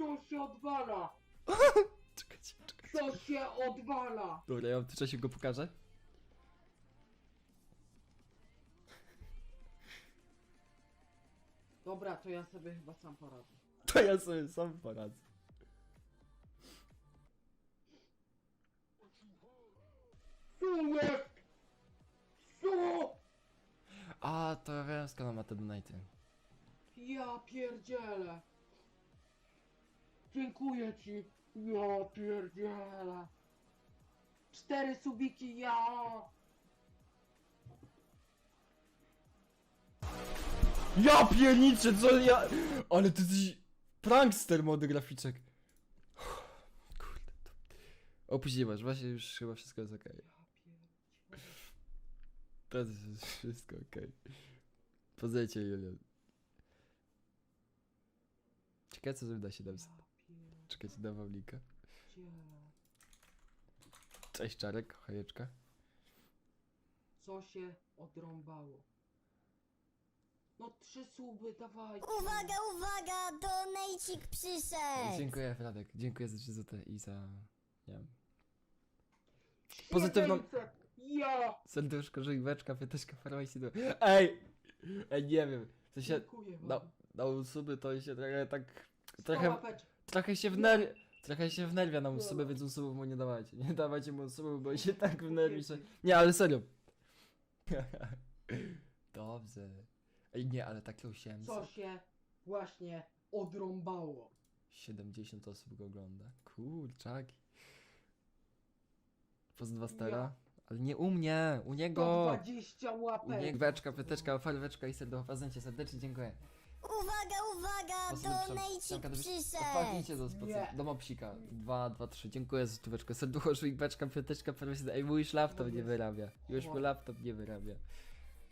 Co się odwala? Czekajcie. Co się odwala? Dobra, ja wam w tym czasie go pokażę. Dobra, to ja sobie chyba sam poradzę. To ja sobie sam poradzę. Co jest? Co? A, to ja wiem, skąd on ma te donaty. Ja pierdzielę. Dziękuję ci. Ja pierdzielę. 4 subiki, ja. Ja pierniczę, co ja... Ale ty jesteś... Prankster, młody graficzek. Kurde, to... Opóźnienie masz, właśnie już chyba wszystko jest okej. Ja pierdzielę. Teraz jest wszystko okej. Poznajcie Julian. Ciekawe co zrobi na 700. Ja pierdzielę. Czekajcie, dam wam linka. Cześć Czarek, chajeczka. Co się odrąbało? No 3 suby, dawajcie. Uwaga, uwaga, donejcik przyszedł! Dziękuję Fradek, dziękuję za 3 zł i za... nie wiem. Pozytywną... 700. Ja. Serduszko, żółweczka, pięteczka, farmajsi do... Ej! Ej, nie wiem. W sensie... Dziękuję wam. Na usuby to się trochę tak... 100 Trochę... łapeczek. Trochę się wnerwia na usuby, więc usubów mu nie dawajcie. Nie dawajcie mu usubów, bo się tak wnerwi, że... Nie, ale serio. Dobrze. Ej, nie, ale takie 800. Co się właśnie odrąbało? 70 osób go ogląda. Kurczaki. Poz 2 stara. Ja. Ale nie u mnie, u niego. 120 U łapek. niego weczka, pyteczka, farweczka i serducho. Serdecznie dziękuję. Uwaga, uwaga, donejcik przyszedł! Pachnijcie Nie. do mopsika. 2, 2, 3. Dziękuję za stóweczkę. Serducho, żółweczka, piąteczka, farweczka. Ej, mój już laptop nie wyrabia. Już mój laptop nie wyrabia.